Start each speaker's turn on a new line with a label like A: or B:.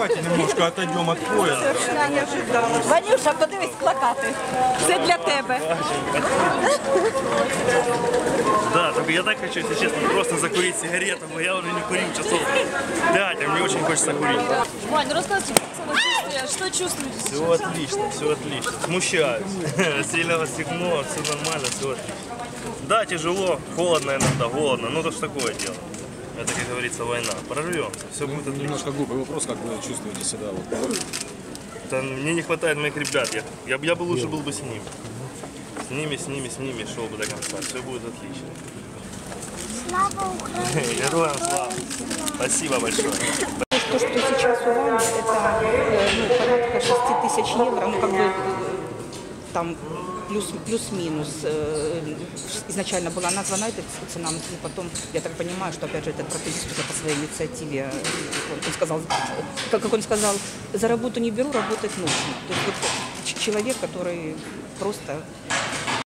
A: давайте немножко отойдем от пояса.
B: Совершенно неожиданно. Ванюша, подивись плакати. Це для тебе.
C: Да, только я так хочу, если честно, просто закурить сигарету, но я уже не курил часов 5, а мне очень хочется курить.
D: Вань, ну рассказывайте, как самочувствие, что чувствуете?
C: Все отлично, все отлично. Смущаюсь. Сильного стегно, все нормально, все отлично. Да, тяжело, холодно иногда, голодно, но это ж такое дело. Это, как говорится, война. Прорвемся, все будет отлично.
E: Немножко глупый вопрос, как вы чувствуете себя? Вот.
C: Это мне не хватает моих ребят. Я бы лучше был бы с ними. С ними шел бы до конца. Все будет отлично.
F: Слава Украине!
C: Героям слава! Спасибо большое.
B: То, что сейчас у Вани, это порядка 6 тысяч евро, ну как бы там плюс-минус. Изначально была названа эта цена, но потом, я так понимаю, что опять же этот протезист уже по своей инициативе, он сказал, как он сказал, за работу не беру, работать нужно. То есть вот человек, который просто